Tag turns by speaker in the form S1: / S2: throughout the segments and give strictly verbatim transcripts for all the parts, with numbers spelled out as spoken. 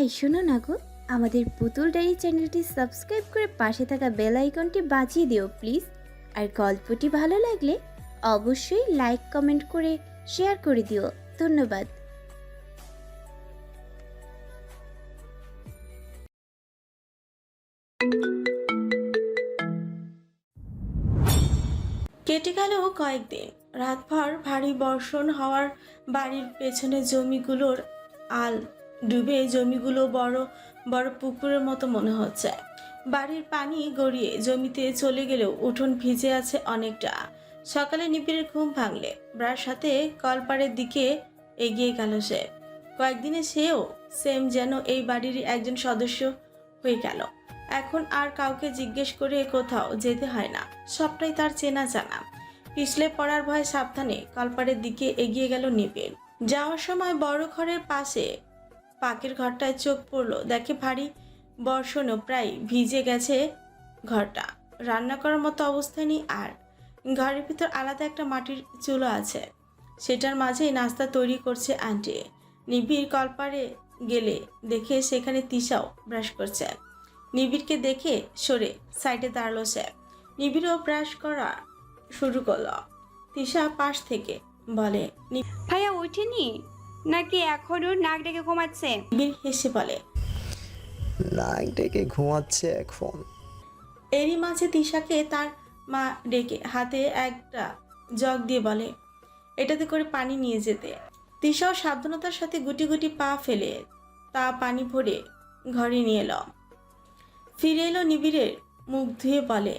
S1: এই শোনো না গো, আমাদের পুতুল ডায়েরি চ্যানেলটি সাবস্ক্রাইব করে পাশে থাকা বেল আইকনটি বাজিয়ে দিও প্লিজ। আর গল্পটি ভালো লাগলে অবশ্যই লাইক কমেন্ট করে শেয়ার করে দিও। ধন্যবাদ।
S2: কেটে গেল কয়েকদিন। রাতভর ভারী বর্ষণ হওয়ার বাড়ির পেছনে জমিগুলোর আল ডুবে জমিগুলো বড় বড় পুকুরের মতো মনে হচ্ছে। বাড়ির পানি গড়িয়ে জমিতে চলে গেলেও উঠোন ভিজে আছে অনেকটা। সকালে নিবিড়ের ঘুম ভাঙলে ব্রার সাথে কলপাড়ের দিকে এগিয়ে গেল সে। কয়েকদিনে সেও সেম যেন এই বাড়িরই একজন সদস্য হয়ে গেল। এখন আর কাউকে জিজ্ঞেস করে কোথাও যেতে হয় না, সবটাই তার চেনা জানা। পিছলে পড়ার ভয়ে সাবধানে কলপাড়ের দিকে এগিয়ে গেল নিবিড়। যাওয়ার সময় বড় ঘরের পাশে পাকের ঘরটায় চোখ পড়লো, দেখে ভারী বর্ষণও প্রায় ভিজে গেছে ঘরটা। রান্না করার মতো অবস্থায় নেই আর। ঘরের ভিতর আলাদা একটা মাটির চুলো আছে, সেটার মাঝেই নাস্তা তৈরি করছে আন্টি। নিবিড় কলপাড়ে গেলে দেখে সেখানে তিশাও ব্রাশ করছে। নিবিড়কে দেখে সরে সাইডে দাঁড়ালো সে। নিবিড়ও ব্রাশ করা শুরু করলো। তিশা পাশ থেকে বলে,
S3: ভাইয়া ওঠেনি নাকি এখনো নাক ডেকে ঘুমাচ্ছে?
S2: নিবিড় হেসে বলে,
S4: নাক ডেকে ঘুমাচ্ছে এখন।
S2: এরই মাঝে তিশাকে তার মা ডেকে হাতে একটা জগ দিয়ে বলে এটাতে করে পানি নিয়ে যেতে। তিশাও সাবধানতার সাথে গুটি গুটি পা ফেলে তা পানি ভরে ঘরে নিয়ে এলো। ফিরে এলো নিবিড়ের মুখ ধুয়ে বলে,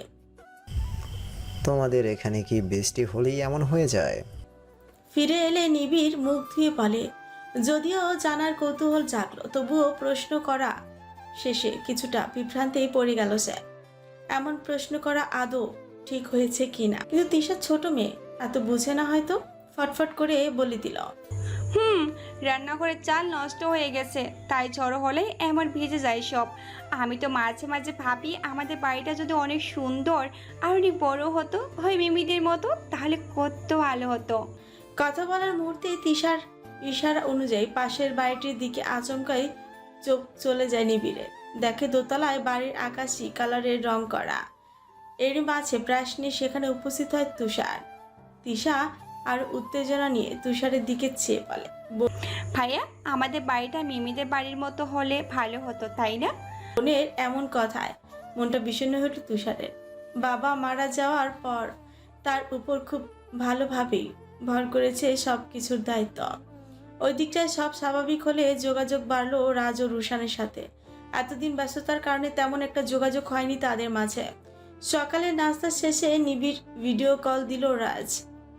S4: তোমাদের এখানে কি বৃষ্টি হলেই এমন হয়ে যায়?
S2: ফিরে এলে নিবিড় মুখ ধুয়ে বলে, যদিও জানার কৌতূহল জাগলো তবুও প্রশ্ন করা শেষে কিছুটা বিভ্রান্তেই পড়ে গেল সে। এমন প্রশ্ন করা আদৌ ঠিক হয়েছে কিনা, কিন্তু তিশা ছোট মেয়ে, এত বুঝে না হয়তো। ফটফট করে বলে দিল,
S3: হুম রান্নাঘরের চাল নষ্ট হয়ে গেছে, তাই ঝড় হলে এমন ভিজে যায় সব। আমি তো মাঝে মাঝে ভাবি আমাদের বাড়িটা যদি অনেক সুন্দর আর অনেক বড় হতো, ওই মিমিদের মতো, তাহলে কত ভালো হতো।
S2: কথা বলার মুহূর্তে তিশার ইশারা অনুযায়ী পাশের বাড়িটির দিকে আচমকাই চোখ চলে যায় নিবিড়ের। দেখে দোতলায় বাড়ির আকাশি কালারের রং করা। এর মাঝে ব্রাশ নিয়ে সেখানে উপস্থিত হয় তুষার। তিশা আর উত্তেজনা নিয়ে তুষারের দিকে চেয়ে বলে,
S3: ভাইয়া আমাদের বাড়িটা মিমিদের বাড়ির মতো হলে ভালো হতো, তাই না?
S2: বোনের এমন কথায় মনটা বিষণ্ণ হয়ে উঠল তুষারের। বাবা মারা যাওয়ার পর তার উপর খুব ভালোভাবেই ভর করেছে সব কিছুর দায়িত্ব। ওই দিকটায় সব স্বাভাবিক হলে যোগাযোগ বাড়লো রাজ ও রুশানের সাথে। এতদিন ব্যস্ততার কারণে তেমন একটা যোগাযোগ হয়নি তাদের মাঝে। সকালে নাস্তা শেষে নিবিড় ভিডিও কল দিল রাজ।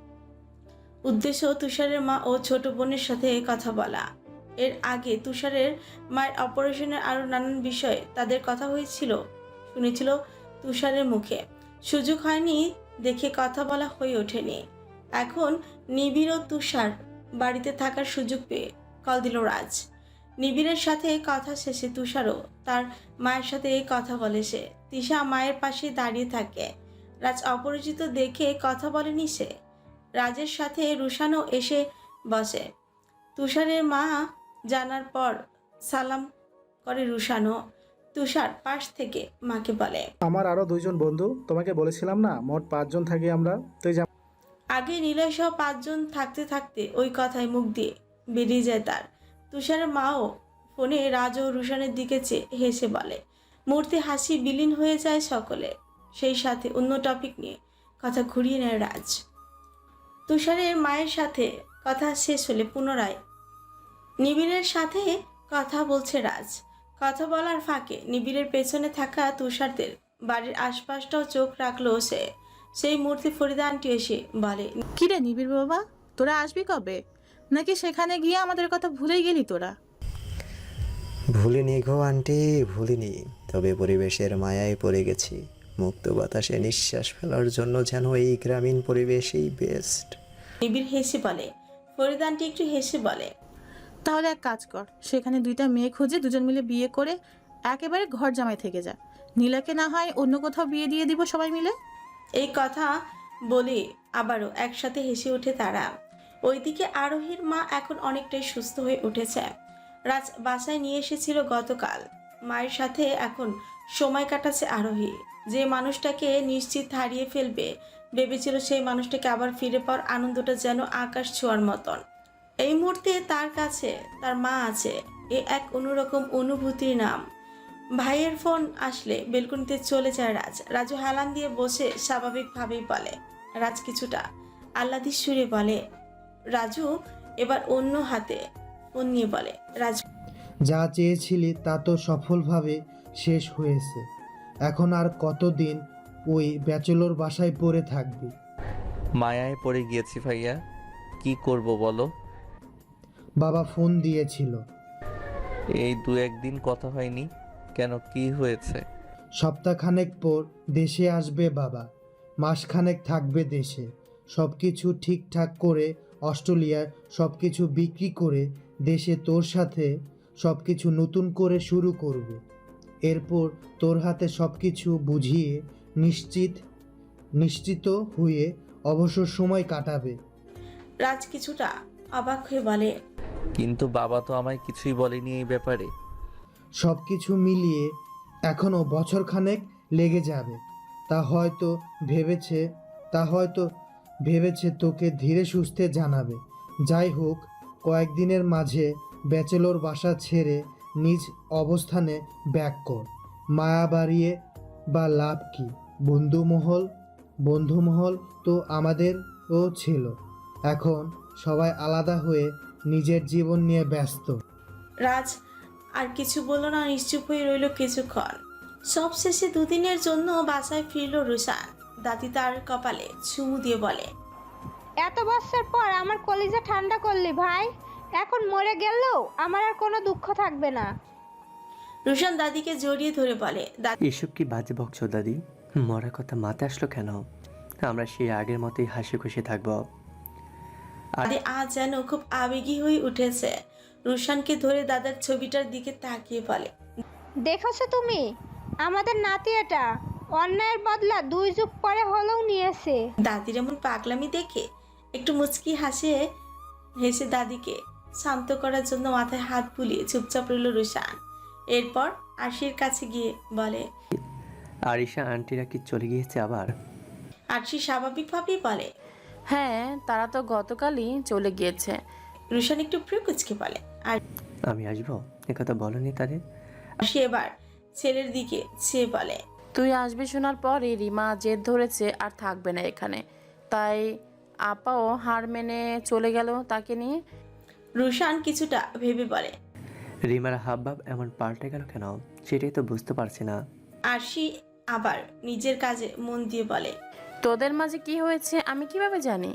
S2: উদ্দেশ্য তুষারের মা ও ছোট বোনের সাথে কথা বলা। এর আগে তুষারের মায়ের অপারেশনের আরো নানান বিষয়ে তাদের কথা হয়েছিল, শুনেছিল তুষারের মুখে। সুযোগ হয়নি দেখে কথা বলা হয়ে ওঠেনি। এখন নিবিড় ও তুষার বাড়িতে থাকার সুযোগ পেয়ে কল দিল রাজ। নিবিড়ের সাথে কথা শেষে তুষারও তার মায়ের সাথে কথা বলে সে। তিশা মায়ের পাশে দাঁড়িয়ে থাকে। রাজ অপরিচিত দেখে কথা বলেনি সে। রাজের সাথে রুশানও এসে বসে। তুষারের মা জানার পর সালাম করে রুশানও। তুষার পাশ থেকে মাকে বলে,
S5: আমার আরো দুইজন বন্ধু, তোমাকে বলেছিলাম না মোট পাঁচজন থাকি আমরা, তুই যা।
S2: আগে নিলয় সহ পাঁচজন থাকতে থাকতে ওই কথায় মুখ দিয়ে বেরিয়ে যায় তার। তুষারের মাও ফোনে রাজ ও রুশানের দিকে চেয়ে হেসে বলে। মুহূর্তে হাসি বিলীন হয়ে যায় সকলে। সেই সাথে অন্য টপিক নিয়ে কথা ঘুরিয়ে নেয় রাজ। তুষারের মায়ের সাথে কথা শেষ হলে পুনরায় নিবিড়ের সাথে কথা বলছে রাজ। কথা বলার ফাঁকে নিবিড়ের পেছনে থাকা তুষারদের বাড়ির আশপাশটাও চোখ রাখলো সে। সেই মুহূর্তে ফরিদা আন্টি এসে বলে,
S6: কিরে নিবিড় বাবা, তোরা আসবি কবে? নাকি সেখানে গিয়ে আমাদের কথা ভুলেই গেলি তোরা?
S4: ভুলিনি গো আন্টি, ভুলিনি। তবে পরিবেশের মায়ায় পড়ে গেছি। মুক্ত বাতাসে নিঃশ্বাস ফেলার জন্য যেন এই গ্রামীণ পরিবেশই বেস্ট।
S2: নিবিড় হেসে বলে। ফরিদা আন্টি একটু হেসে বলে,
S6: তাহলে এক কাজ কর, সেখানে দুইটা মেয়ে খুঁজে দুজন মিলে বিয়ে করে একেবারে ঘর জামাই থেকে যা। নীলাকে না হয় অন্য কোথাও বিয়ে দিয়ে দিব সবাই মিলে।
S2: এই কথা বলে আবারও একসাথে হেসে ওঠে তারা। ওইদিকে আরোহীর মা এখন অনেকটাই সুস্থ হয়ে উঠেছে। রাজ বাসায় নিয়ে এসেছিল গতকাল। মায়ের সাথে এখন সময় কাটাচ্ছে আরোহী। যে মানুষটাকে নিশ্চিত হারিয়ে ফেলবে ভেবেছিল, সেই মানুষটাকে আবার ফিরে পাওয়ার আনন্দটা যেন আকাশ ছোঁয়ার মতন। এই মুহূর্তে তার কাছে তার মা আছে, এ এক অন্যরকম অনুভূতির নাম। ভাইয়ের ফোন আসলে বেলকনিতে চলে যায় রাজ। রাজু হেলান দিয়ে বসে স্বাভাবিকভাবেই বলে। রাজ কিছুটা আহ্লাদি সুরে বলে। রাজু এবার অন্য হাতে ফোন নিয়ে বলে, রাজ
S7: যা চেয়েছিলি তা তো সফলভাবে শেষ হয়েছে। এখন আর কতদিন ওই ব্যাচেলর বাসায় পড়ে থাকবি?
S8: মায়ায় পড়ে গিয়েছি ভাইয়া, কি করব বলো।
S7: বাবা ফোন দিয়েছিল।
S8: এই দু একদিন কথা হয়নি কেন, কি হয়েছে?
S7: সপ্তাহখানেক পর দেশে আসবে বাবা, মাসখানেক থাকবে দেশে। সব কিছু ঠিকঠাক করে অস্ট্রেলিয়ার সব কিছু বিক্রি করে দেশে তোর সাথে সব কিছু নতুন করে শুরু করবে। এরপর তোর হাতে সব কিছু বুঝিয়ে নিশ্চিত নিশ্চিত হয়ে অবসর সময় কাটাবে।
S2: রাজ কিছুটা অবাক হয়ে বলে,
S8: কিন্তু বাবা তো আমায় কিছুই বলেনি এই ব্যাপারে।
S7: সব কিছু মিলিয়ে এখনও বছরখানেক লেগে যাবে। তা হয়তো ভেবেছে তা হয়তো ভেবেছে তোকে ধীরে সুস্থে জানাবে। যাই হোক, কয়েকদিনের মাঝে ব্যাচেলর বাসা ছেড়ে নিজ অবস্থানে ব্যাক কর। মায়া বাড়িয়ে বা লাভ কি? বন্ধুমহল বন্ধুমহল তো আমাদেরও ছিল। এখন সবাই আলাদা হয়ে নিজের জীবন নিয়ে ব্যস্ত।
S2: রাজ আর কিছু বলল না, নিশ্চুপ হয়ে রইল কিছুক্ষণ। সব শেষে দুদিনের জন্য বাসায় ফিরল রুশান। দাদি তার কপালে চুমু দিয়ে বলে,
S9: এত বছর পর আমার কলিজা ঠান্ডা করলি ভাই। এখন মরে গেলেও আমার আর কোনো দুঃখ থাকবে না।
S2: রুশান দাদিকে জড়িয়ে ধরে বলে, দাদি
S10: এসব কি বাজে বকছো দাদি? মরার কথা মাথায় আসলো কেন? আমরা সেই আগের মতোই হাসি খুশি থাকবো।
S2: আজ যেন খুব আবেগী হয়ে উঠেছে। রুশানকে ধরে দাদার ছবিটার দিকে তাকিয়ে বলে,
S9: দেখেছো তুমি আমাদের নাতিয়াটা অন্যায়ের বদলা দুই যুগ পরে হলেও নিয়েছে।
S2: দাদির এমন পাগলামি দেখে একটু মুচকি হাসে হেসে দাদিকে শান্ত করার জন্য মাথায় হাত বুলিয়ে চুপচাপ রইল রুশান। এরপর আরশির কাছে গিয়ে বলে,
S10: আরিশা আন্টিরা কি চলে গিয়েছে আবার?
S2: আরশি স্বাভাবিকভাবেই বলে,
S6: হ্যাঁ, তারা তো গতকালই চলে গিয়েছে।
S2: রুশান একটু প্রিয়কুচকে বলে, আর
S10: আমি আসবো একথা বলনি তাদের?
S2: সে এবার ছেলের দিকে সে বলে,
S6: তুই আসবি শোনার পরে রিমা জেদ ধরেছে আর থাকবে না এখানে, তাই আপাও হার মেনে চলে গেল তাকে নিয়ে।
S2: রুশান কিছুটা ভেবে বলে,
S10: রিমার হাবভাব এমন পাল্টে গেল কেন সেটাই তো বুঝতে পারছি না।
S2: আরশি আবার নিজের কাজে মন দিয়ে বলে,
S6: তোদের মাঝে কি হয়েছে আমি কিভাবে জানি?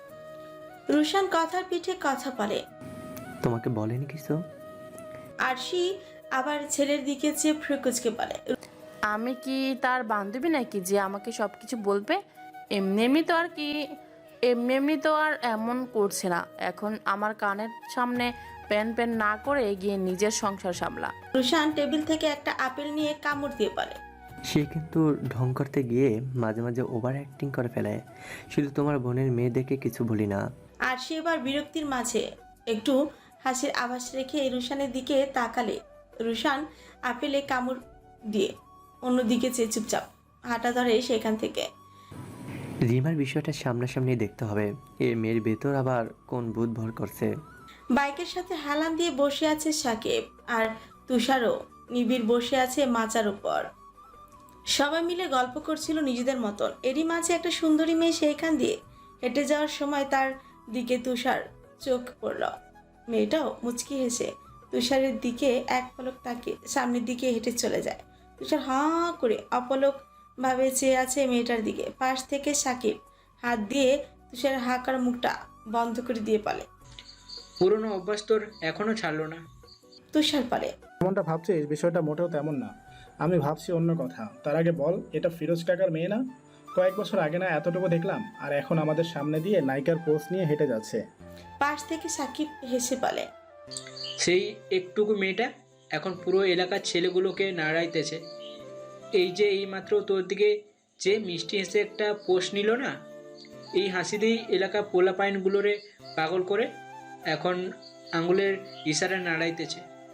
S2: রুশান কথার পিঠে কথা বলে।
S10: তোমাকে বলেনি কিছু?
S2: আরশি আবার ছেলের দিকে চেয়ে ফ্রিকুচকে বলে,
S6: আমি কি তার বান্ধবী নাকি যে আমাকে সব কিছু বলবে? এমনি এমনি তো আর কি এমনি এমনি তো আর এমন করছে না। এখন আমার কানের সামনে প্যান প্যান না করে গিয়ে নিজের সংসার সামলা।
S2: রুশান টেবিল থেকে একটা আপেল নিয়ে কামড় দিয়ে বলে,
S10: সে কিন্তু ঢং করতে গিয়ে মাঝে মাঝে ওভার অ্যাক্টিং করে ফেলে। শুধু তোমার বোনের মেয়ে দেখে কিছু বলি না।
S2: আর সে এবার বিরক্তির মাঝে একটু হাসির আভাস রেখে রুশানের দিকে তাকালে রুশান আপেলে কামড় দিয়ে অন্যদিকে চেয়ে চুপচাপ হাঁটা ধরে সেখান থেকে।
S10: রিমার বিষয়টা সামনাসামনি দেখতে হবে। এ মেয়ের ভেতর আবার কোন ভূত ভর করছে।
S2: বাইকের সাথে হেলান দিয়ে বসে আছে সাকিব, আর তুষারও নিবিড় বসে আছে মাচার উপর। সবাই মিলে গল্প করছিল নিজেদের মতন। এরই মাঝে একটা সুন্দরী মেয়ে সেইখান দিয়ে হেঁটে যাওয়ার সময় তার দিকে তুষার চোখ পড়ল। মেয়েটাও মুচকি হেসে তুষারের দিকে এক পলক তাকিয়ে সামনের দিকে হেঁটে চলে যায়। তুষার হাঁ করে অপলক ভাবে চেয়ে আছে মেয়েটার দিকে। পাশ থেকে সাকিব হাত দিয়ে তুষারের হাঁকার মুখটা বন্ধ করে দিয়ে বলে,
S11: পুরনো অভ্যাস তোর এখনো ছাড়লো না?
S2: তুষার বলে,
S5: যেমনটা ভাবছিস বিষয়টা মোটেও তেমন না। আমি ভাবছি অন্য কথা। তার আগে বল, এটা ফিরোজ কাকার মেয়ে না? কয়েক বছর আগে না এতটুকু দেখলাম, আর এখন আমাদের সামনে দিয়ে নায়িকার পোস্ট নিয়ে হেঁটে যাচ্ছে।
S2: পাশ থেকে সাকিব হেসে বলে,
S11: সেই একটুকু মেয়েটা এখন পুরো এলাকার ছেলেগুলোকে নাড়াইতেছে। এই যে এইমাত্র তোর দিকে যে মিষ্টি হেসে একটা পোস্ট নিল না, এই হাসি দিয়েই এলাকা পোলা পাইনগুলোরে পাগল করে এখন আঙুলের ইশারা নাড়াইতেছে।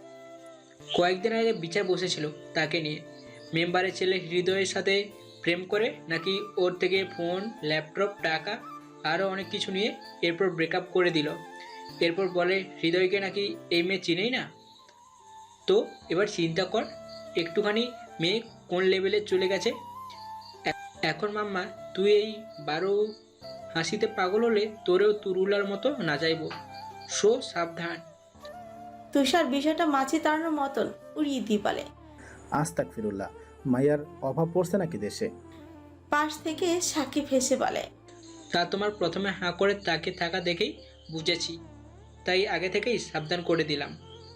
S11: কয়েকদিন আগে বিচার বসেছিল তাকে নিয়ে। মেম্বারের ছেলে হৃদয়ের সাথে প্রেম করে নাকি ওর থেকে ফোন, ল্যাপটপ, টাকা আরও অনেক কিছু নিয়ে এরপর ব্রেকআপ করে দিল। এরপর বলে হৃদয়কে নাকি এই মেয়ে চিনেই না। তো এবার চিন্তা কর একটুখানি মেয়ে কোন লেভেলে চলে গেছে। এ- এখন মাম্মা তুই এই বারো হাসিতে পাগল হলে তোরেও তুরুলার মতো না যাইব। সো সাবধান।
S2: তুষার বিষয়টা মাছি তাড়ানোর মতন উড়িয়ে দিয়ে বলে।
S5: আস্তাক ফিরুল্লাহ, মাইয়ার অভাব পড়ছে নাকি দেশে?
S2: পাশ থেকে সাকিব হেসে বলে।
S11: তা তোমার প্রথমে হাঁ করে তাকে থাকা দেখেই বুঝেছি, তাই আগে থেকেই সাবধান করে দিলাম।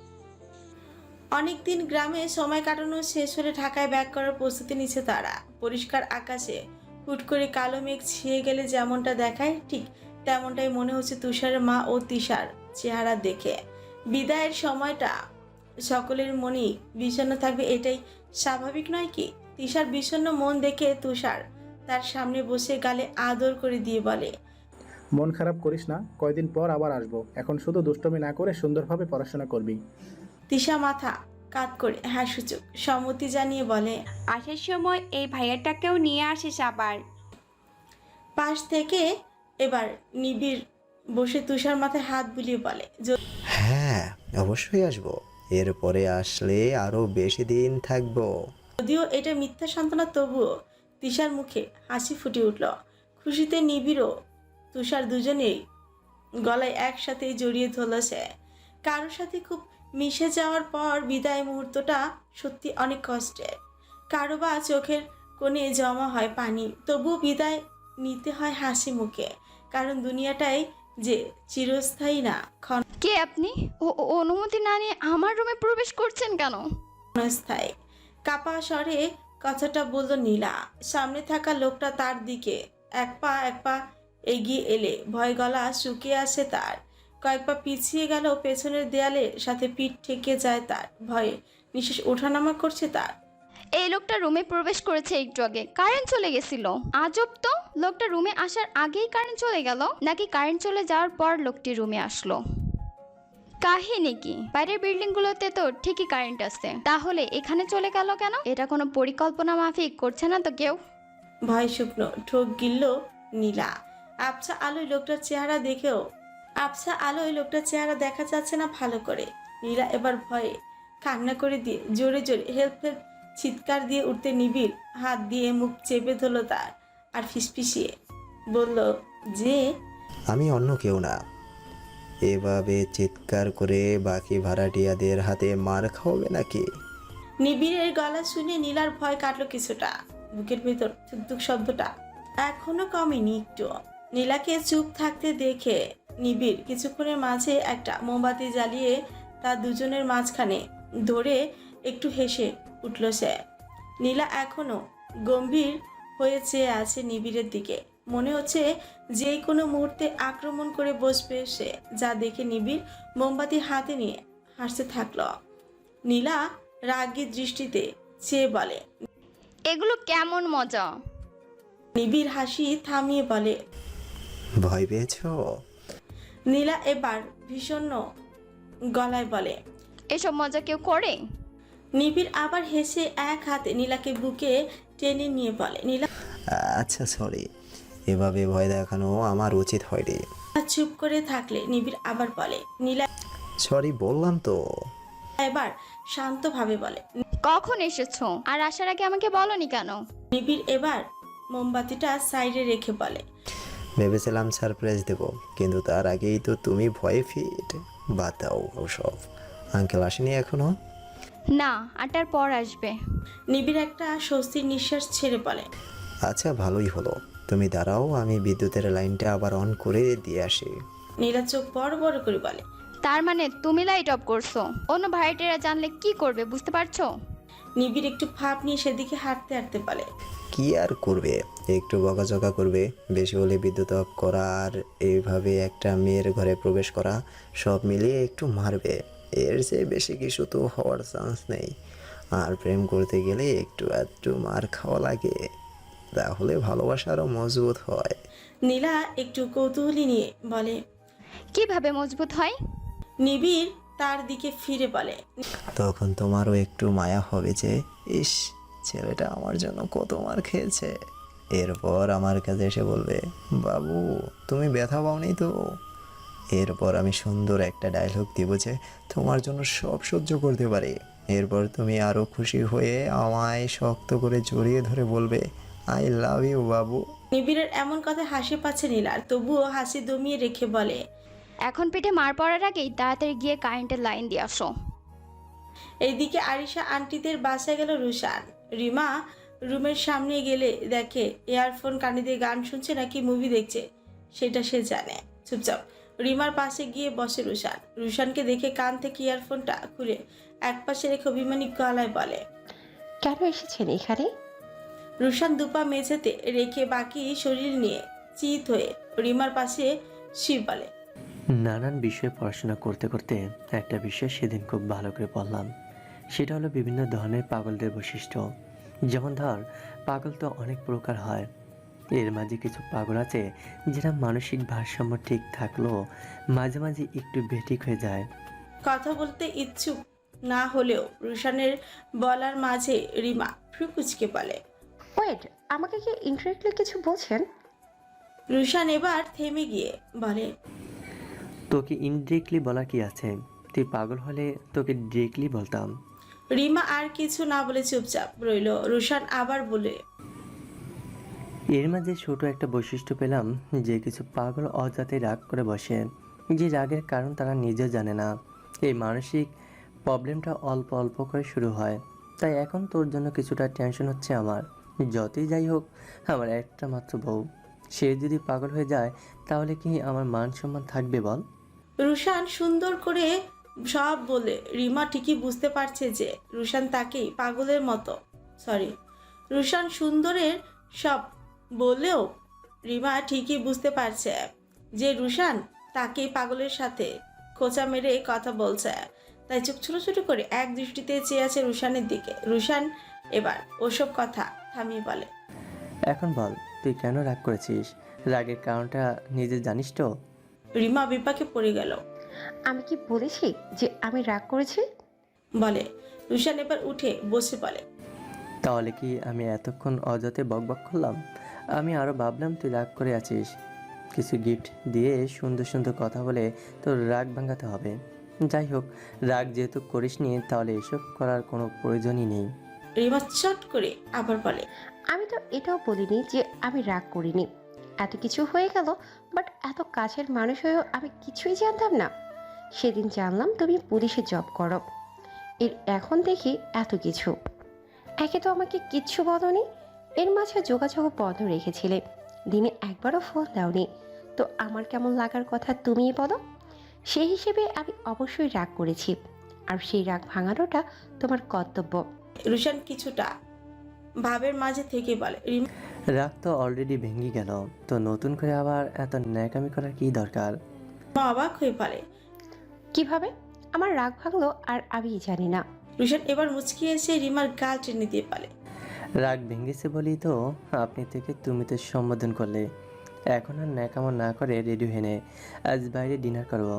S2: অনেকদিন গ্রামে সময় কাটানো শেষ হলে ঢাকায় ব্যাক করার প্রস্তুতি নিচ্ছে তারা। পরিষ্কার আকাশে হুট করে কালো মেঘ ছেয়ে গেলে যেমনটা দেখায় ঠিক তেমনটাই মনে হচ্ছে তুষারের মা ও তিশার চেহারা দেখে। বিদায়ের সময়টা সকলের মনেই বিষণ্ণ থাকবে, এটাই স্বাভাবিক নয় কি? তিশার বিষণ্ণ মন দেখে তুষার তার সামনে বসে গালে আদর করে দিয়ে বলে।
S5: মন খারাপ করিস না, কয়দিন পর আবার আসবো। এখন শুধু দুষ্টমি না করে সুন্দরভাবে পড়াশোনা করবি।
S2: তিশা মাথা কাত করে হ্যাঁ সূচক সম্মতি জানিয়ে বলে।
S3: আসার সময় এই ভাইয়াটাকেও নিয়ে আসিস আবার।
S2: পাশ থেকে এবার নিবিড় বসে তুষার মাথায় হাত বুলিয়ে বলে।
S4: হ্যাঁ, অবশ্যই আসবো। এরপরে আসলে আরো বেশি দিন থাকবো।
S2: যদিও এটা মিথ্যা সান্ত্বনা, তবুও তিশার মুখে হাসি ফুটে উঠল। খুশিতে নিবিড় ও তুষার দুজনেই গলায় একসাথে জড়িয়ে ধরল সে। কারোর সাথে খুব মিশে যাওয়ার পর বিদায় মুহূর্তটা সত্যি অনেক কষ্টের। কারো বা চোখের কোণে জমা হয় পানি, তবুও বিদায় নিতে হয় হাসি মুখে, কারণ দুনিয়াটাই যে চিরস্থায়ী না,
S12: কে আপনি? ও ও- অনুমতি না নিয়ে আমার রুমে প্রবেশ করছেন কেন?
S2: ক্ষণস্থায়ী। কাপা স্বরে কথাটা বলল নীলা। সামনে থাকা লোকটা তার দিকে এক পা এক পা এগিয়ে এলে ভয় গলা শুকিয়ে আসে তার। কয়েক পা পিছিয়ে গেল, পেছনের দেয়ালের সাথে পিঠ ঠেকে যায় তার। ভয়ে নিঃশ্বাস ওঠানামা করছে তার।
S12: এই লোকটা রুমে প্রবেশ করেছে একটু আগে, কারেন্ট চলে গেছিল। আজব তো, লোকটা রুমে আসার আগেই কারেন্ট চলে গেল নাকি কারেন্ট চলে যাওয়ার পর লোকটি রুমে আসলো? কাহিনী কি? বাইরের বিল্ডিং গুলোতে তো ঠিকই কারেন্ট আছে, তাহলে এখানে চলে গেল কেন? এটা কোনো পরিকল্পনা মাফিক করছে না তো কেউ?
S2: ভয় শুকনো ঠোক গিলল নীলা। আবছা আলোয় লোকটার চেহারা দেখেও আবছা আলোয় লোকটার চেহারা দেখা যাচ্ছে না ভালো করে। নীলা এবার ভয়ে কান্না করে দিয়ে জোরে জোরে হেল্প হেল্প চিৎকার দিয়ে উঠতে নিবিড় হাত দিয়ে মুখ চেপে ধরল তার, আর ফিসফিসিয়ে বলল যে
S4: আমি অন্য কেউ না। এভাবে চিৎকার করে বাকি ভাড়াটিয়াদের হাতে মার খাওয়াবে নাকি?
S2: নিবিড়ের গলা শুনে নীলার ভয় কাটলো কিছুটা। বুকের ভেতর থুকথুক শব্দটা এখনো কমেনি একটু। নীলাকে চুপ থাকতে দেখে নিবিড় কিছুক্ষণের মাঝে একটা মোমবাতি জ্বালিয়ে তার দুজনের মাঝখানে ধরে একটু হেসে উঠল সে। নীলা এখনো গম্ভীর হয়ে চেয়ে আছে নিবিড়ের দিকে। মনে হচ্ছে যে কোনো মুহূর্তে আক্রমণ করে বসবে সে, যা দেখে নিবিড় মোমবাতি হাতে নিয়ে হাসতে থাকলো। নীলা রাগী দৃষ্টিতে চেয়ে বলে।
S12: এগুলো কেমন মজা?
S2: নিবিড় হাসি থামিয়ে বলে।
S4: ভয় পেয়েছ?
S2: নীলা এবার ভীষণ গলায় বলে।
S12: এসব মজা কেউ করে?
S2: নিবিড় আবার হেসে এক হাতে নীলাকে বুকে টেনে নিয়ে বলে। নীলা
S4: আচ্ছা সরি, এভাবে ভয় দেখানো আমার উচিত হয়নি।
S2: চুপ করে থাকলে নিবিড় আবার বলে। নীলা
S4: সরি বললাম তো।
S2: এবার শান্তভাবে বলে।
S12: কখন এসেছো আর আসার আগে আমাকে বলনি কেন?
S2: নিবিড় এবার মোমবাতিটা সাইডে রেখে বলে।
S4: ভেবেছিলাম সারপ্রাইজ দেব, কিন্তু তার আগেই তো তুমি ভয়ে ফিট। বাদ দাও ওসব। আঙ্কেল আসেনি এখনো?
S12: না, আটটার পর আসবে।
S2: নিবিড় একটা স্বস্তির নিঃশ্বাস ছেড়ে বলে।
S4: আচ্ছা ভালোই হলো, তুমি দাঁড়াও, আমি বিদ্যুতের লাইনটা আবার অন করে দিয়ে আসি।
S2: নীলা চোখ বড় বড় করে বলে।
S12: তার মানে তুমি লাইট অফ করছো? অন্য ভাড়াটিয়ারা জানলে কি করবে বুঝতে পারছো?
S2: নিবিড় একটু ভাব নিয়ে সেদিকে হাঁটতে হাঁটতে বলে।
S4: কি আর করবে, একটু বকাঝকা করবে, বেশি হলে বিদ্যুৎ অফ করা আর এইভাবে একটা মেয়ের ঘরে প্রবেশ করা, সব মিলিয়ে একটু মারবে। এর চেয়ে বেশি কিছু তো হওয়ার চান্স নেই। আর প্রেম করতে গেলে একটু একটু মার খাওয়া লাগে, তাহলে ভালোবাসা আরও মজবুত হয়।
S2: নীলা একটু কৌতূহলী নিয়ে বলে।
S12: কিভাবে মজবুত হয়?
S2: নিবিড় তার দিকে ফিরে বলে,
S4: তখন তোমারও একটু মায়া হবে যে ইস, ছেলেটা আমার জন্য কত মার খেয়েছে। এরপর আমার কাছে এসে বলবে, বাবু তুমি ব্যথা পাওনি তো? এরপর আমি সুন্দর একটা ডায়লগ দিব যে তোমার জন্য সব সহ্য করতে পারি। এরপর তুমি আরও খুশি হয়ে আমায় শক্ত করে জড়িয়ে ধরে বলবে, আই লাভ ইউ বাবু।
S2: নিবিড়ের এমন কথা হাসি পাচ্ছে নীলার, তবুও হাসি দমিয়ে রেখে বলে,
S12: এখন পেটে মার পড়ার আগেই তাড়াতাড়ি গিয়ে কারেন্টের লাইন দিয়ে আসো।
S2: এইদিকে আরিশা আন্টিদের বাসায় গেল রুশান। রিমা রুমের সামনে গেলে দেখে ইয়ারফোন কানে দিয়ে গান শুনছে নাকি মুভি দেখছে সেটা সে জানে। চুপচাপ রিমার পাশে গিয়ে বসে রুশান। রুশানকে দেখে কান থেকে ইয়ারফোনটা খুলে একপাশে রেখে অভিমানী গলায় বলে,
S9: কেন এসেছেন এখানে?
S2: রুশান দুপা মেঝেতে রেখে বাকি শরীর নিয়ে চিত হয়ে রিমার পাশে শিব বলে,
S10: নানান বিষয়ে পড়াশোনা করতে করতে একটা বিষয় সেদিন খুব ভালো করে পড়লাম। সেটা হলো বিভিন্ন ধরনের পাগলদের বৈশিষ্ট্য। যেমন ধর, পাগল তো অনেক প্রকার হয়। এর মাঝে কিছু পাগল আছে যেটা মানসিক ভারসাম্য ঠিক থাকলেও মাঝে মাঝে একটু বেঠিক হয়ে যায়।
S2: কথা বলতে ইচ্ছুক না হলেও রুশানের বলার মাঝে রিমা ফ্রুকুচকে বলে,
S9: ওয়েট, আমাকে কি ইনডিরেক্টলি কিছু বলছেন?
S2: রুশান এবার থেমে গিয়ে বলে,
S10: তোকে ইনডিরেক্টলি বলা কি আছে? তুই পাগল হলে তোকে ডিরেক্টলি বলতাম।
S2: রিমা আর কিছু না বলে চুপচাপ রইল। রুশান আবার বলে,
S10: এর মাঝে ছোট একটা বৈশিষ্ট্য পেলাম যে কিছু পাগল অজাতে রাগ করে বসে, যে রাগের কারণ তারা নিজেও জানে না। এই মানসিক প্রবলেমটা অল্প অল্প করে শুরু হয়। তাই এখন তোর জন্য কিছুটা টেনশন হচ্ছে আমার। যতই যাই হোক, আমার একটা মাত্র বউ, সে যদি পাগল হয়ে যায় তাহলে কি আমার মান সম্মান থাকবে বল?
S2: রুশান সুন্দর করে সব বলে রিমা ঠিকই বুঝতে পারছে যে রুশান তাকেই পাগলের মতো সরি রুশান সুন্দরের সব বলেও রিমা ঠিকই বুঝতে পারছে যে রুশান তাকেই পাগলের সাথে খোঁচা মেরে কথা বলছে। তাই চোখ ছোট ছোট করে এক দৃষ্টিতে চেয়ে আছে রুশানের দিকে। রুশান এবার ওসব কথা থামিয়ে বলে,
S10: এখন বল, তুই কেন রাগ করেছিস? রাগের কারণটা নিজে জানিস তো?
S2: রিমা বিপাকে পড়ে গেল।
S9: আমি কি বলেছি যে আমি রাগ করেছি?
S2: বলে রুশান এবার উঠে বসে বলে,
S10: তাহলে কি আমি এতক্ষণ অযথে বকবক করলাম? আমি আরও ভাবলাম তুই রাগ করে আছিস। কিছু গিফট দিয়ে সুন্দর সুন্দর কথা বলে তোর রাগ ভাঙাতে হবে। যাই হোক, রাগ যেহেতু করিসনি তাহলে এসব করার কোনো প্রয়োজনই নেই।
S2: রিমা চট করে আবার বলে,
S9: আমি তো এটাও বলিনি যে আমি রাগ করিনি। এত কিছু হয়ে গেল, বাট এত কাছের মানুষ হয়েও আমি কিছুই জানতাম না। সেদিন জানলাম তুমি পুলিশে জব করো, এর এখন দেখি এত কিছু। একে তো আমাকে কিচ্ছু বলোনি, এর মাঝে যোগাযোগ বন্ধ রেখেছিলে, দিনে একবারও ফোন দাওনি। তো আমার কেমন লাগার কথা তুমিই বলো। সেই হিসেবে আমি অবশ্যই রাগ করেছি, আর সেই রাগ ভাঙানোটা তোমার কর্তব্য।
S2: রুশান কিছুটা ভাবের মাঝে থেকে বলে, রিমা
S10: রাগ তো অলরেডি ভেঙে গেল, তো নতুন করে আবার এত ন্যাকামি করার কি দরকার?
S2: অবাক হয়ে বলে,
S9: কিভাবে আমার রাগ ভাঙলো আর আমি জানি না।
S2: রুশান এবার মুচকি এসে রিমার গাল টেনে দিয়ে বলে,
S10: রাগ ভেঙেছে বলেই তো আপনি থেকে তুমিতে সম্বোধন করলে। এখন আর ন্যাকামো না করে রেডি হয়ে নে, আজ বাইরে ডিনার করবো,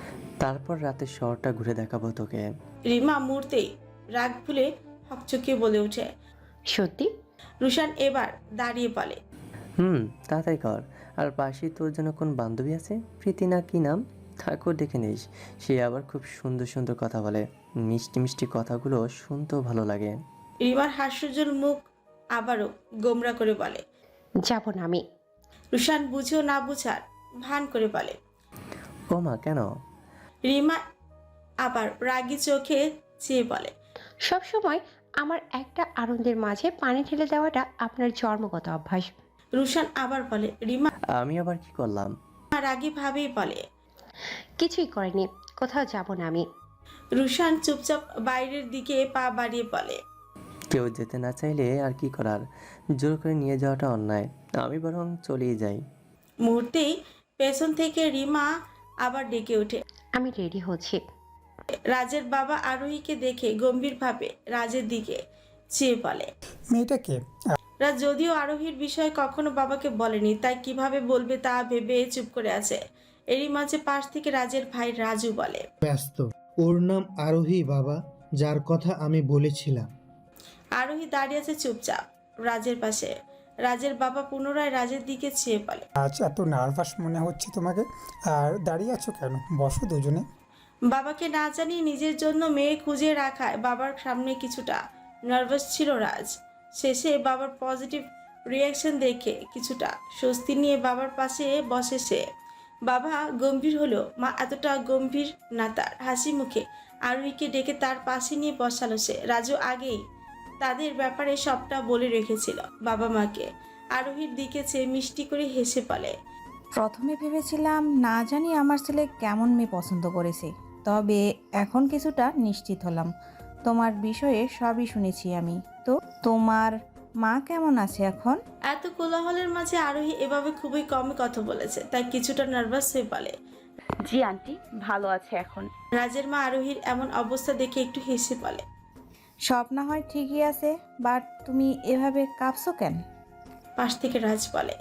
S10: তারপর রাতে শহরটা ঘুরে দেখাবো তোকে।
S2: রিমা মুহূর্তেই রাগ ভুলে হকচকিয়ে বলে ওঠে,
S9: সত্যি?
S2: রুশান এবার দাঁড়িয়ে বলে,
S10: হুম, তাড়াতাড়ি কর। আর পাশেই তোর জন্য কোন বান্ধবী আছে, প্রীতি না কি নাম, তাকেও ডেকে নিস। সে আবার খুব সুন্দর সুন্দর কথা বলে, মিষ্টি মিষ্টি কথাগুলো শুনতেও ভালো লাগে।
S2: রিমার হাস্যজ্জ্বল মুখ আবারও গোমরা করে বলে,
S9: যাব না আমি।
S2: রুশান বুঝেও না বুঝার ভান করে বলে,
S10: ও মা, কেন?
S2: রিমা আবার রাগী চোখে চেয়ে বলে,
S9: সব সময় আমার একটা আনন্দের মাঝে পানি ঢেলে দেওয়াটা আপনার জন্মগত অভ্যাস।
S2: রুশান আবার বলে, রিমা
S10: আমি আবার কি করলাম?
S2: রাগী ভাবেই বলে,
S9: কিছুই করেনি, কোথাও যাব না আমি।
S2: রুশান চুপচাপ বাইরের দিকে পা বাড়িয়ে বলে,
S10: কেউ যেতে না চাইলে আর কি করার, জোর করে নিয়ে যাওয়াটা অন্যায়, আমি বরং চলেই যাই।
S2: মুহূর্তেই পেছন থেকে রিমা আবার ডেকে ওঠে,
S9: আমি রেডি হচ্ছি।
S2: রাজের বাবা আরোহীকে দেখে গম্ভীরভাবে রাজের দিকে চেয়ে বলে,
S13: মেয়েটাকে?
S2: রাজ যদিও আরোহীর বিষয়ে কখনো বাবাকে বলেনি, তাই কিভাবে বলবে তা ভেবে চুপ করে আছে। এরই মাঝে পাশ থেকে রাজের ভাই রাজু বলে,
S7: ব্যস্ত ওর নাম আরোহী বাবা, যার কথা আমি বলেছিলাম।
S2: আরোহী দাঁড়িয়ে আছে চুপচাপ রাজের পাশে। রাজের বাবা পুনরায় রাজের দিকে চেয়ে বলে,
S13: আজ এত নার্ভাস মনে হচ্ছে তোমাকে, আর দাঁড়িয়ে আছো কেন? বসো দুজনে।
S2: বাবাকে না জানিয়ে নিজের জন্য মেয়ে খুঁজে রাখায় বাবার সামনে কিছুটা নার্ভাস ছিল রাজ। শেষে বাবার পজিটিভ রিয়াকশন দেখে কিছুটা স্বস্তি নিয়ে বাবার পাশে বসে সে। বাবা গম্ভীর হলো, মা এতটা গম্ভীর না তার। হাসি মুখে আরোহীকে ডেকে তার পাশে নিয়ে বসালো সে। রাজু আগেই তাদের ব্যাপারে সবটা বলে রেখেছিল বাবা মাকে। আরোহীর দিকে চেয়ে মিষ্টি করে হেসে বলে,
S14: প্রথমে ভেবেছিলাম না জানি আমার ছেলে কেমন মেয়ে পছন্দ করেছে, তবে এখন কিছুটা নিশ্চিত হলাম। তোমার বিষয়ে সবই শুনেছি আমি। তো তোমার মা কেমন আছে এখন?
S2: এত কোলাহলের মাঝে আরোহী এভাবে খুবই কমই কথা বলেছে, তাই কিছুটা নার্ভাস হয়ে বলে,
S14: জি আন্টি, ভালো আছে এখন।
S2: রাজের মা আরোহীর এমন অবস্থা দেখে একটু হেসে বলে,
S14: সব না হয় ঠিকই আছে, বাট তুমি এভাবে কাঁপছো কেন?
S2: পাশ থেকে রাজ বলে,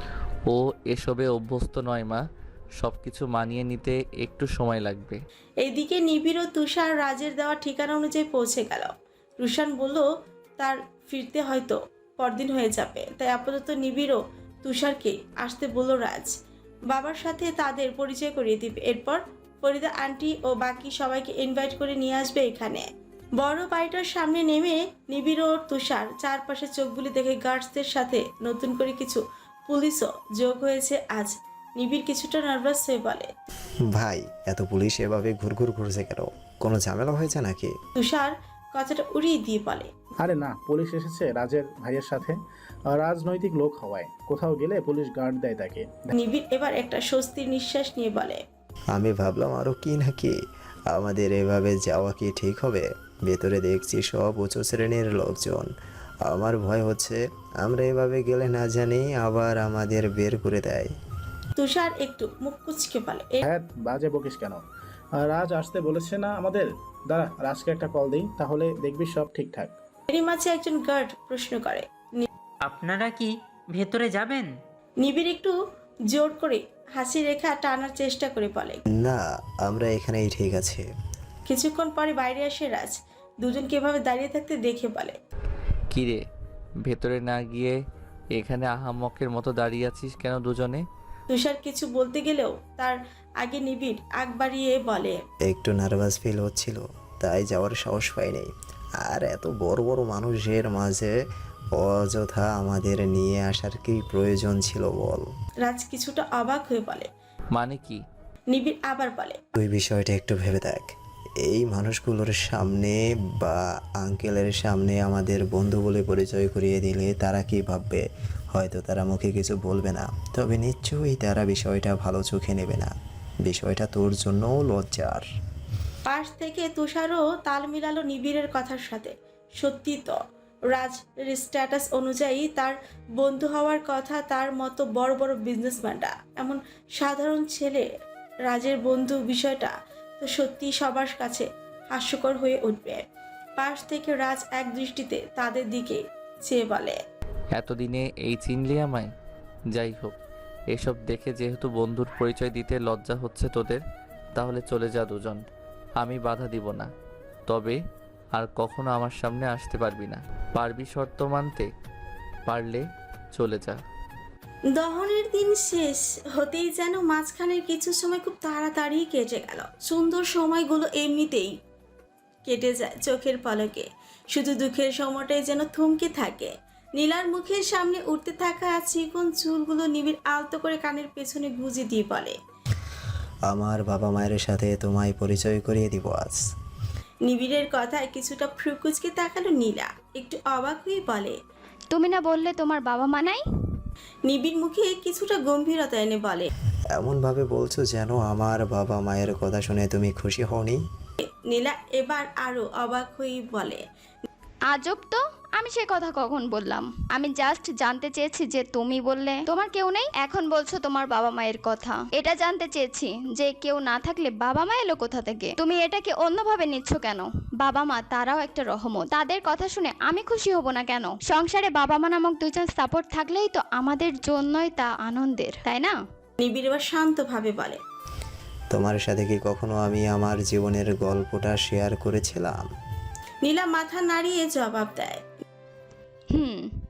S8: ও এসবে অভ্যস্ত নয় মা, সব কিছু মানিয়ে নিতে একটু সময় লাগবে।
S2: এইদিকে নিবিড় ও তুষার রাজের দেওয়া ঠিকানা অনুযায়ী পৌঁছে গেল। রুশান বলল তার ফিরতে হয়তো পরদিন হয়ে যাবে, তাই আপাতত নিবিড় ও তুষারকে আসতে বলল রাজ। বাবার সাথে তাদের পরিচয় করিয়ে দিবে, এরপর ফরিদা আন্টি ও বাকি সবাইকে ইনভাইট করে নিয়ে আসবে এখানে। বড় বাড়িটার সামনে নেমে নিবিড় ও তুষার চারপাশে চোখ বুলি দেখে গার্ডসদের সাথে নতুন করে কিছু পুলিশও যোগ হয়েছে আজ। নিবিড় কিছুটা নার্ভাস হয়ে বলে,
S4: ভাই এত পুলিশ এভাবে ঘুরঘুর ঘুরছে কেন? কোনো ঝামেলা হয়েছে নাকি?
S2: তুষার কথাটা উড়িয়ে দিয়ে বলে,
S5: আরে না, পুলিশ এসেছে রাজের ভাইয়ের সাথে। আর রাজনৈতিক লোক হওয়ায় কোথাও গেলে পুলিশ গার্ড দেয় তাকে।
S2: নিবিড় এবার একটা স্বস্তির নিঃশ্বাস নিয়ে বলে,
S4: আমি ভাবলাম আরও কি নাকি, আমাদের এভাবে যাওয়া কি ঠিক হবে? ভেতরে দেখছি সব উঁচু শ্রেণীর লোকজন। আমার ভয় হচ্ছে আমরা এভাবে গেলে না জানি আবার আমাদের বের করে দেয়।
S2: তুষার একটু মুখ কুচকে বলে,
S5: হ্যাঁ, বাজে বকিস কেন? আর রাজ আসতে বলেছে না আমাদের? দাঁড়া, রাজকে একটা কল দিই, তাহলে দেখবি সব ঠিকঠাক।
S2: এরই মাঝে একজন গার্ড প্রশ্ন করে,
S15: আপনারা কি ভেতরে যাবেন?
S2: নিবিড় একটু জোর করে হাসি রেখা টানার চেষ্টা করে বলে,
S4: না, আমরা এখানেই ঠিক আছে।
S2: কিছুক্ষণ পরে বাইরে আসে রাজ। দুজনকে এভাবে দাঁড়িয়ে থাকতে দেখে বলে,
S8: কিরে, ভেতরে না গিয়ে এখানে আহাম্মকের মতো দাঁড়িয়ে আছিস কেন দুজনে?
S2: তুষার কিছু বলতে গেলেও তার আগে নিবিড় আগ বাড়িয়ে বলে,
S4: একটু নার্ভাস ফিল হচ্ছিল, তাই যাওয়ার সাহস পাইনি। আর এত বড় বড় মানুষের মাঝে অযথা আমাদের নিয়ে আসার কি প্রয়োজন ছিল বল?
S2: রাজ কিছুটা অবাক হয়ে বলে,
S8: মানে কি?
S2: নিবিড় আবার বলে,
S4: তুই বিষয়টা একটু ভেবে দেখ। এই মানুষগুলোর সামনে বা আঙ্কেলের সামনে আমাদের বন্ধু বলে পরিচয় করিয়ে দিলে তারা কি ভাববে? হয়তো তারা মুখে কিছু বলবে না, তবে নিশ্চয়ই তারা বিষয়টা ভালো চোখে নেবে না। বিষয়টা তোর জন্যও লজ্জার।
S2: পাশ থেকে তুষারও তাল মিলালো নিবিড়ের কথার সাথে। সত্যি তো, রাজের স্ট্যাটাস অনুযায়ী তার বন্ধু হওয়ার কথা। তার মতো বড় বড় বিজনেসম্যানরা এমন সাধারণ ছেলে রাজের বন্ধু, বিষয়টা তো সত্যি সবার কাছে হাস্যকর হয়ে উঠবে। পাশ থেকে রাজ এক দৃষ্টিতে তাদের দিকে চেয়ে বলে,
S8: এতদিনে এই চিনলি আমায়? যাই হোক, এসব দেখে যেহেতু বন্ধুর পরিচয় দিতে লজ্জা হচ্ছে তোদের, তাহলে চলে যা দুজন, আমি বাধা দিব না। তবে আর কখনো আমার সামনে আসতে পারবি না। পারবি শর্ত মানতে? পারলে চলে যা।
S2: দহনের দিন শেষ হতেই যেন মাঝখানের কিছু সময় খুব তাড়াতাড়ি কেটে গেল। সুন্দর সময়গুলো এমনিতেই কেটে যায় চোখের পলকে, শুধু দুঃখের সময়টাই যেন থমকে থাকে। নীলার মুখের সামনে উঠতে থাকা চিকন চুলগুলো নিবিড় আলতো করে কানের পেছনে গুঁজে দিয়ে বলে,
S4: আমার বাবা মায়ের সাথে তোমায় পরিচয় করিয়ে দিব আজ।
S2: নিবিড়ের কথায় কিছুটা ফ্রুকুচকে তাকালো নীলা, একটু অবাক হয়ে বলে,
S12: তুমি না বললে তোমার বাবা মা নাই?
S2: নিবিড় মুখে কিছুটা গম্ভীরতা এনে বলে,
S4: এমনভাবে বলছো যেন আমার বাবা মায়ের কথা শুনে তুমি খুশি হওনি।
S2: নীলা এবার আরো অবাক হয়ে বলে,
S12: আজব তো, আমি সে কথা কখন বললাম? আমি জাস্ট জানতে চেয়েছি যে তুমি বললে তোমার কেউ নেই, এখন বলছো তোমার বাবা মায়ের কথা। এটা জানতে চেয়েছি যে কেউ না থাকলে বাবা মা এলো কোথা থেকে। তুমি এটাকে অন্যভাবে নিচ্ছ কেন? বাবা মা তারাও একটা রহমত, তাদের কথা শুনে আমি খুশি হব না কেন? সংসারে বাবা মা নামক দুজন সাপোর্ট থাকলেই তো আমাদের জন্যই তা আনন্দের, তাই না?
S2: নিবিড় এবার শান্তভাবে বলে,
S4: তোমার সাথে কি কখনো আমি আমার জীবনের গল্পটা শেয়ার করেছিলাম?
S2: নীলা মাথা নাড়িয়ে জবাব দেয়।
S12: হুম